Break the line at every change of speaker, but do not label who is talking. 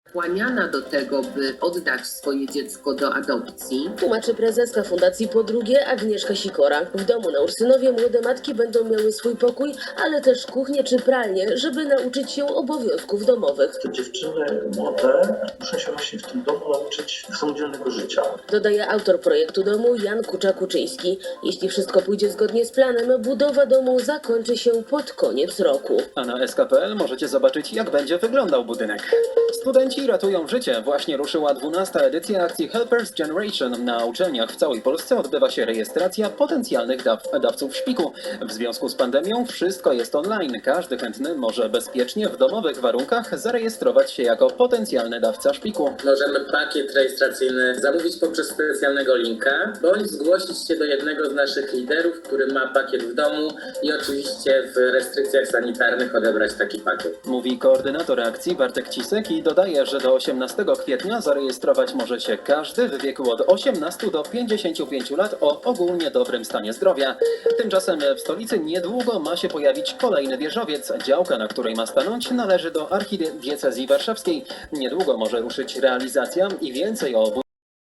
skłaniana do tego, by oddać swoje dziecko do adopcji.
Tłumaczy prezeska Fundacji Po Drugie Agnieszka Sikora. W domu na Ursynowie młode matki będą miały swój pokój, ale też kuchnię czy pralnię, żeby nauczyć się obowiązków domowych.
Te dziewczyny młode muszą się właśnie w tym domu nauczyć samodzielnego życia.
Dodaje autor projektu domu Jan Kucza-Kuczyński. Jeśli wszystko pójdzie zgodnie z planem, budowa domu zakończy się pod koniec roku.
A na sk.pl możecie zobaczyć, jak będzie wyglądał budynek. Studenci ratują życie. Właśnie ruszyła 12. edycja akcji Helpers Generation. Na uczelniach w całej Polsce odbywa się rejestracja potencjalnych dawców szpiku. W związku z pandemią wszystko jest online. Każdy chętny może bezpiecznie w domowych warunkach zarejestrować się jako potencjalny dawca szpiku.
Możemy pakiet rejestracyjny zamówić poprzez specjalnego linka, bądź zgłosić się do jednego z naszych liderów, który ma pakiet w domu i oczywiście w restrykcjach sanitarnych odebrać taki pakiet.
Mówi koordynator akcji Bartek Cisek i dodaje, że do 18 kwietnia zarejestrować może się każdy w wieku od 18 do 55 lat o ogólnie dobrym stanie zdrowia. Tymczasem w stolicy niedługo ma się pojawić kolejny wieżowiec. Działka, na której ma stanąć, należy do archidiecezji warszawskiej. Niedługo może ruszyć realizacja i więcej o